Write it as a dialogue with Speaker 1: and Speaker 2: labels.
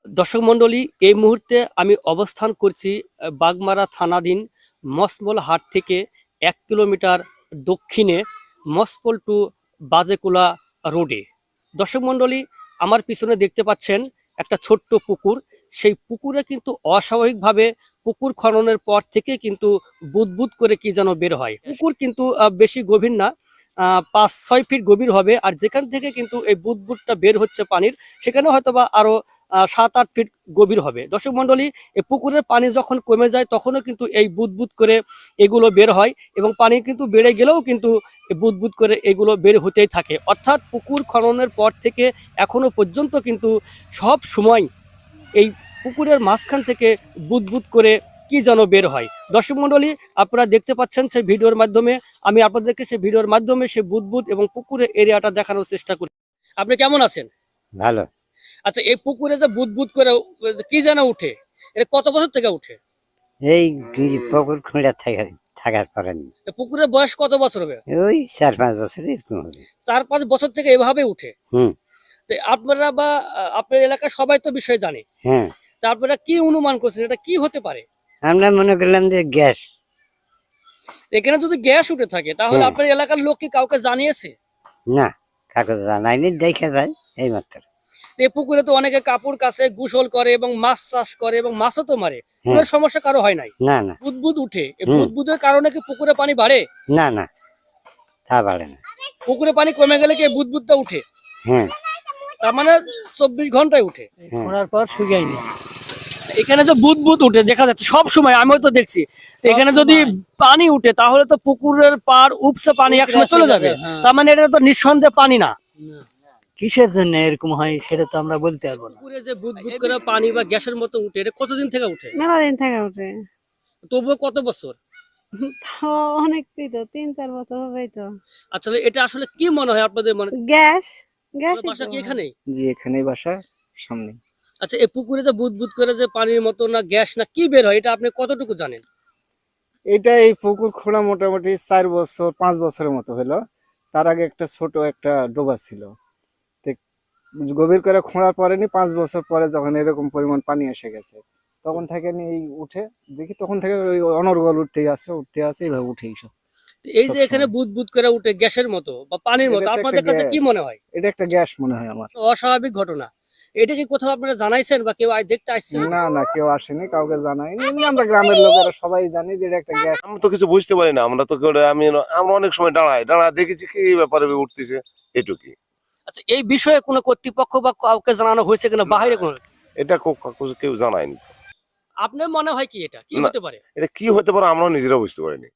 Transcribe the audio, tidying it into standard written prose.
Speaker 1: দর্শক মণ্ডলী, এই মুহূর্তে আমি অবস্থান করছি বাগমারা থানাধীন মসমল হাট থেকে 1 কিলোমিটার দক্ষিণে মসমল টু বাজেকুলা রোডে। দর্শক মণ্ডলী, আমার পিছনে দেখতে পাচ্ছেন একটা ছোট্ট পুকুর। সেই পুকুরে কিন্তু অস্বাভাবিকভাবে পুকুর খননের পর থেকে কিন্তু বুদবুদ করে কি যেন বের হয়। পুকুর কিন্তু বেশি গভীর না, 5-6 ফিট গভীর হবে। আর যেখান থেকে কিন্তু এই বুদবুদটা বের হচ্ছে পানির, সেখানে হয়তোবা আরো 7-8 ফিট গভীর হবে। দর্শক মণ্ডলী, এই পুকুরের পানি যখন কমে যায় তখনও কিন্তু এই বুদবুদ করে এগুলো বের হয়, এবং পানি কিন্তু বেড়ে গেলেও কিন্তু বুদবুদ করে এগুলো বের হতেই থাকে। অর্থাৎ পুকুর খননের পর থেকে এখনো পর্যন্ত কিন্তু সব সময় এই পুকুরের মাঝখান থেকে বুদবুদ করে কি যেন বের হয়। দর্শক মণ্ডলী, আপনারা দেখতে পাচ্ছেন সেই ভিডিওর মাধ্যমে, আমি আপনাদেরকে সেই ভিডিওর মাধ্যমে সেই বুদবুদ এবং পুকুরের এরিয়াটা দেখানোর চেষ্টা করি। আপনি কেমন আছেন?
Speaker 2: ভালো।
Speaker 1: আচ্ছা, এই পুকুরে যে বুদবুদ করে কি যেন উঠে, এটা কত বছর থেকে উঠে?
Speaker 2: এই পুকুর খুঁড়ে থাকার পরে
Speaker 1: পুকুরের বয়স কত বছর হবে?
Speaker 2: ওই 4-5 বছর এরকম হবে।
Speaker 1: 4-5 বছর থেকে এভাবে উঠে।
Speaker 2: হুম।
Speaker 1: তো আপনারা বা আপনার এলাকার সবাই তো বিষয় জানে,
Speaker 2: হ্যাঁ,
Speaker 1: তা আপনারা কি অনুমান করছেন এটা কি হতে পারে?
Speaker 2: আমরা মনে করলাম যে গ্যাস।
Speaker 1: এখানে যদি গ্যাস উঠে থাকে তাহলে
Speaker 2: হ্যাঁ।
Speaker 1: আপনার এলাকার লোক কি কাউকে জানিয়েছে?
Speaker 2: না, কাগজ জানাইনি, দেখা যায় এই মাত্র।
Speaker 1: এই পুকুরে তো অনেকে কাপড় কাচে, গোসল করে এবং মাছ চাষ করে এবং মাছও তো মারে,
Speaker 2: হ্যাঁ।
Speaker 1: কোনো সমস্যা কারো হয় নাই?
Speaker 2: না না
Speaker 1: বুদবুদ উঠে, এই
Speaker 2: হুম।
Speaker 1: বুদবুদের কারণে কি পুকুরে পানি বাড়ে?
Speaker 2: না না, তা বাড়ে না।
Speaker 1: পুকুরে পানি কমে গেলে কি এই বুদবুদটা উঠে?
Speaker 2: হ্যাঁ,
Speaker 1: তার মানে 24 ঘন্টায় উঠে।
Speaker 2: হ্যাঁ।
Speaker 3: খোঁড়ার পর শুকায়নি।
Speaker 1: এখানে যে বুদবুদ উঠে দেখা যাচ্ছে সব সময়, আমিও তো দেখছি। তো এখানে যদি পানি উঠে তাহলে তো পুকুরের পার উপসে পানি একসময় চলে যাবে।
Speaker 3: হ্যাঁ।
Speaker 1: তার মানে এটা তো নিঃসন্দেহে পানি না।
Speaker 3: কিসের জন্য এরকম হয় সেটা তো আমরা বলতে পারবো না।
Speaker 1: পুকুরে যে বুদবুদ করে পানি বা গ্যাসের মতো উঠে, এটা কতদিন থেকে উঠে?
Speaker 4: মেলা দিন থেকে উঠে।
Speaker 1: তবুও কত বছর?
Speaker 4: তাও অনেকটাই তো 3-4 বছর হবেই তো।
Speaker 1: আসলে এটা আসলে কি মনে হয় আপনাদের মনে?
Speaker 4: গ্যাস
Speaker 1: আপনার বাসা কি এখানেই?
Speaker 2: জি, এখানেই বাসা, সামনে।
Speaker 1: আচ্ছা, এই পুকুরে যে বুদবুদ করে যে পানির মতো না গ্যাস না কি বের হয়, এটা আপনি কতটুকু জানেন?
Speaker 5: এটা এই পুকুর খোঁড়া মোটামুটি 4-5 বছরের মতো হলো। তার আগে একটা ছোট একটা ডোবা ছিল। তো গভীর করে খোঁড়ার পরে 5 বছর পরে যখন এরকম পরিমাণ পানি এসে গেছে, তখন থেকে এই উঠে দেখি, তখন থেকে ওই অনর্গল উঠতে আছে এইভাবে উঠেই সব।
Speaker 1: এই যে এখানে বুদবুদ করে উঠে গ্যাসের মতো বা পানির মতো,
Speaker 5: এটা তো
Speaker 1: আপনাদের
Speaker 5: একটা
Speaker 1: কাছে কি
Speaker 5: গ্যাস।
Speaker 1: মনে হয়?
Speaker 5: এটা একটা গ্যাস মনে হয় আমার।
Speaker 1: অস্বাভাবিক ঘটনা। এটা কি কোথাও আপনারা জানাইছেন বা কেউ দেখতে আসছেন?
Speaker 5: না না, কেউ আসেনি, কাউকে জানাইনি। এমনি আমরা গ্রামের লোকেরা সবাই জানি যে এটা একটা গ্যাস।
Speaker 6: আমরা তো কিছু বুঝতে পারি না। আমরা তো আমরা অনেক সময় দাঁড়ায় দেখেছি কি এই ব্যাপারে উঠতেছে এটুকুই।
Speaker 1: আচ্ছা, এই বিষয়ে কোনো কর্তৃপক্ষ বা কাউকে জানানো হয়েছে কিনা বাইরে কোনো?
Speaker 6: এটা কেউ জানায়নি।
Speaker 1: আপনার মনে হয় কি এটা কি
Speaker 6: না।
Speaker 1: হতে পারে?
Speaker 6: এটা কি হতে পারে আমরা নিজেরা বুঝতে পারিনি।